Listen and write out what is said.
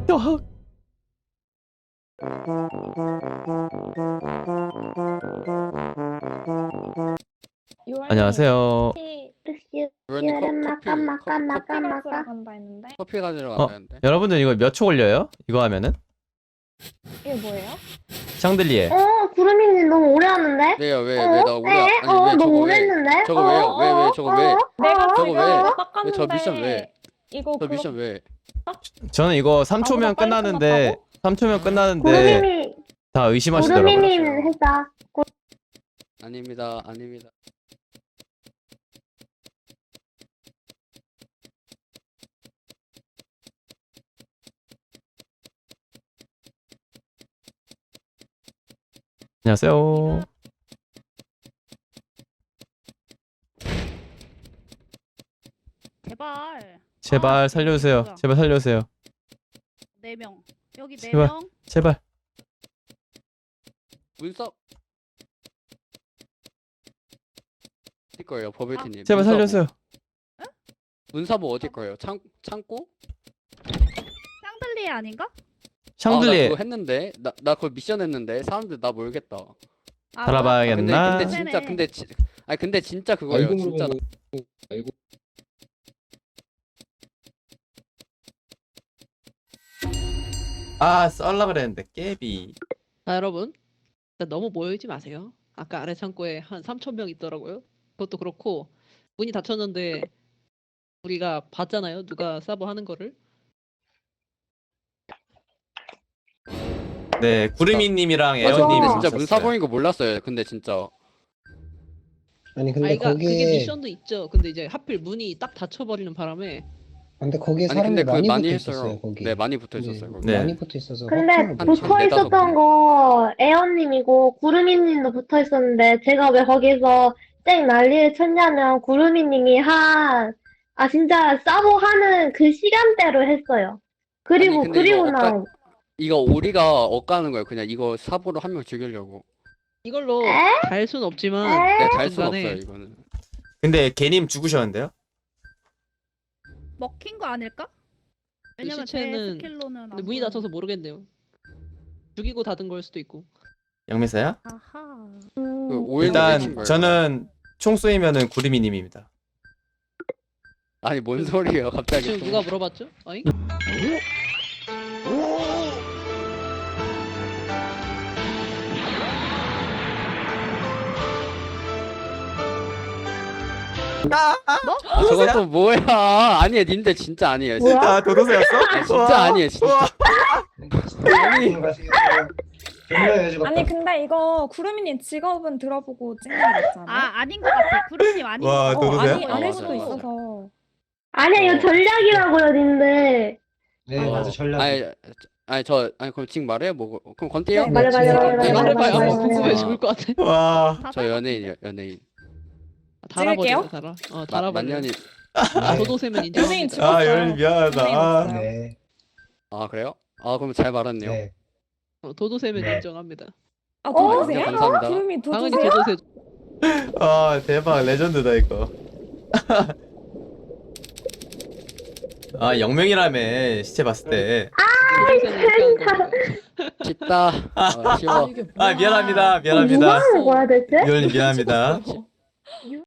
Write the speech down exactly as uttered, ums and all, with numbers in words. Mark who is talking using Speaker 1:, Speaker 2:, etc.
Speaker 1: 어, 안녕하세요.
Speaker 2: 그러니 커,
Speaker 3: 여름
Speaker 2: 커피
Speaker 3: 마까 마까
Speaker 2: 커,
Speaker 3: 마까
Speaker 4: 가스러
Speaker 3: 마까.
Speaker 4: 간다 했는데
Speaker 2: 커피 가지러
Speaker 1: 어,
Speaker 2: 가는데.
Speaker 1: 여러분들 이거 몇 초 걸려요? 이거 하면은?
Speaker 4: 이게 뭐예요?
Speaker 1: 샹들리에.
Speaker 3: 어, 구름이님 너무 오래 하는데?
Speaker 2: 왜요? 왜
Speaker 3: 어?
Speaker 2: 왜 나 오래
Speaker 3: 에?
Speaker 2: 아니
Speaker 3: 어,
Speaker 2: 왜
Speaker 3: 너무
Speaker 2: 저거
Speaker 3: 오래
Speaker 2: 왜?
Speaker 3: 했는데?
Speaker 2: 저거
Speaker 3: 어,
Speaker 2: 왜요? 왜, 왜,
Speaker 3: 어,
Speaker 2: 저거
Speaker 3: 어,
Speaker 2: 왜?
Speaker 4: 내가
Speaker 3: 어,
Speaker 2: 저거
Speaker 4: 지금
Speaker 2: 왜?
Speaker 4: 이거
Speaker 2: 왜
Speaker 4: 닦았는데
Speaker 2: 저 미션 왜?
Speaker 4: 이거
Speaker 2: 저
Speaker 4: 그거
Speaker 2: 미션 왜?
Speaker 1: 저는 이거 삼 초면
Speaker 4: 나보다 빨리
Speaker 1: 끝나는데
Speaker 4: 끝났다고?
Speaker 1: 삼 초면 끝나는데
Speaker 3: 구름이님,
Speaker 1: 다 의심하시더라고요.
Speaker 3: 구름이님
Speaker 2: 그렇죠.
Speaker 3: 했다.
Speaker 2: 아닙니다. 아닙니다.
Speaker 1: 안녕하세요.
Speaker 5: 제발.
Speaker 1: 제발
Speaker 5: 아,
Speaker 1: 살려주세요.
Speaker 5: 뭐야.
Speaker 1: 제발 살려주세요.
Speaker 5: 네 명. 여기 네
Speaker 1: 제발.
Speaker 5: 명.
Speaker 1: 제발.
Speaker 2: 문서 어디 거예요, 버블티님?
Speaker 1: 제발
Speaker 2: 문서부.
Speaker 1: 살려주세요.
Speaker 2: 문서부 어디 거예요? 창 창고?
Speaker 5: 샹들리에 아닌가?
Speaker 2: 아, 나
Speaker 1: 샹들리에
Speaker 2: 그거 했는데 나 나 그거 미션 했는데 사람들 나 모르겠다.
Speaker 5: 아,
Speaker 2: 아, 근데
Speaker 1: 달아봐야겠나?
Speaker 2: 근데 진짜
Speaker 5: 네네.
Speaker 2: 근데 지, 아니 근데 진짜 그거예요.
Speaker 6: 알고
Speaker 2: 진짜.
Speaker 6: 물어보고 알고
Speaker 1: 아, 썰라 그랬는데 깨비.
Speaker 7: 자, 여러분. 일단 너무 모이지 마세요. 아까 아래 창고에 한 삼천 명 있더라고요. 그것도 그렇고 문이 닫혔는데 우리가 봤잖아요. 누가 서버 하는 거를.
Speaker 1: 네, 구름이님이랑
Speaker 2: 아, 저
Speaker 1: 에어님
Speaker 2: 근데
Speaker 3: 어.
Speaker 2: 진짜
Speaker 1: 있었어요.
Speaker 2: 문사 보인 거 몰랐어요. 근데 진짜.
Speaker 6: 아니 근데
Speaker 7: 아이가 그게
Speaker 6: 거기에
Speaker 7: 미션도 있죠. 근데 이제 하필 문이 딱 닫혀버리는 바람에
Speaker 6: 근데 거기에
Speaker 2: 아니
Speaker 6: 사람이
Speaker 2: 근데 그
Speaker 6: 많이,
Speaker 2: 많이
Speaker 6: 붙어
Speaker 2: 했어요.
Speaker 6: 있었어요 거기.
Speaker 2: 네, 많이 붙어 있었어요. 거기.
Speaker 1: 네.
Speaker 6: 많이 붙어 있어서
Speaker 3: 근데
Speaker 6: 확정을 못
Speaker 2: 붙-
Speaker 6: 했어요.
Speaker 3: 붙어
Speaker 2: 네다섯
Speaker 3: 있었던
Speaker 2: 분.
Speaker 3: 거 에어님이고 구름이님도 붙어 있었는데 제가 왜 거기서 땡 난리를 쳤냐면 구름이님이 한, 아 진짜 싸보 하는 그 시간대로 했어요. 그리고
Speaker 2: 아니, 근데
Speaker 3: 그리고
Speaker 2: 이거
Speaker 3: 나
Speaker 2: 엇가- 이거 우리가 엇가는 거예요. 그냥 이거 사보로 한 명 죽이려고.
Speaker 7: 이걸로
Speaker 3: 에?
Speaker 7: 달 순 없지만
Speaker 3: 에?
Speaker 2: 네, 달 순
Speaker 7: 중간에
Speaker 2: 없어요, 이거는.
Speaker 1: 근데 개님 죽으셨는데요?
Speaker 5: 먹힌 거 아닐까? 왜냐면 제
Speaker 7: 시체는
Speaker 5: 스킬로는 안
Speaker 7: 근데 문이
Speaker 5: 보여요.
Speaker 7: 닫혀서 모르겠네요. 죽이고 닫은 걸 수도 있고.
Speaker 1: 영매사야?
Speaker 5: 아하.
Speaker 3: 음,
Speaker 2: 그 오일도 외친
Speaker 1: 일단
Speaker 2: 거예요.
Speaker 1: 저는 총 쏘이면은 구름이님입니다.
Speaker 2: 아니 뭔 소리예요, 갑자기.
Speaker 7: 지금
Speaker 2: 또.
Speaker 7: 누가 물어봤죠? 어잉?
Speaker 2: 아, 저건 또 뭐야? 아니에요, 님들 진짜 아니에요. 진짜,
Speaker 3: 뭐야?
Speaker 1: 아, 도도새였어?
Speaker 2: 아, 진짜 아니에요, 진짜. 아니.
Speaker 4: 아니 근데 이거 구름이님 직업은 들어보고 찍는 게 낫지 않아요?
Speaker 5: 아, 아닌 것 같아. 구름님 아닌
Speaker 1: 와,
Speaker 5: 것 같아.
Speaker 4: 어,
Speaker 1: 도도새야?
Speaker 4: 아니,
Speaker 2: 아,
Speaker 4: 아닐
Speaker 2: 맞아,
Speaker 4: 수도
Speaker 2: 맞아.
Speaker 4: 있어서
Speaker 3: 아니야 이거
Speaker 2: 어.
Speaker 3: 전략이라고요 님들.
Speaker 6: 네
Speaker 2: 어,
Speaker 6: 맞아 전략.
Speaker 2: 아니, 아니 저 아니 그럼 지금 말해요? 뭐 그럼 건띠요?
Speaker 4: 네,
Speaker 3: 말해 말해 말해
Speaker 2: 네,
Speaker 3: 말해
Speaker 7: 말해봐요.
Speaker 3: 말해
Speaker 7: 아마
Speaker 3: 말해
Speaker 7: 궁금해
Speaker 3: 말해.
Speaker 7: 죽을 것 같아.
Speaker 1: 와.
Speaker 5: 다
Speaker 2: 저 연예인이요, 연예인.
Speaker 7: 달아버려.
Speaker 4: 찍을게요?
Speaker 7: 달아. 어,
Speaker 2: 마,
Speaker 7: 달아버려.
Speaker 2: 만년이.
Speaker 6: 네.
Speaker 7: 도도새면
Speaker 4: 연예인
Speaker 7: 인정합니다.
Speaker 4: 죽었어요.
Speaker 1: 아, 연예인 미안하다.
Speaker 4: 연예인
Speaker 1: 아.
Speaker 4: 없어요.
Speaker 6: 네.
Speaker 2: 아 그래요? 아 그럼 잘 말았네요.
Speaker 6: 네.
Speaker 7: 어, 도도새면
Speaker 6: 네.
Speaker 7: 인정합니다.
Speaker 4: 아
Speaker 3: 어?
Speaker 4: 도도새야?
Speaker 2: 네, 감사합니다.
Speaker 4: 구름이
Speaker 7: 당연히
Speaker 4: 도도새야?
Speaker 7: 도도새.
Speaker 1: 아, 대박. 레전드다, 이거. 아, 영명이라며, 시체 봤을 때.
Speaker 7: 도도새는 이렇게 하는 겁니다.
Speaker 2: 쉽다. 어, 쉬워.
Speaker 1: 아, 미안합니다.
Speaker 3: 어, 누가
Speaker 1: 미안합니다.
Speaker 3: 하는 거야 대체?
Speaker 1: 유연님 미안합니다.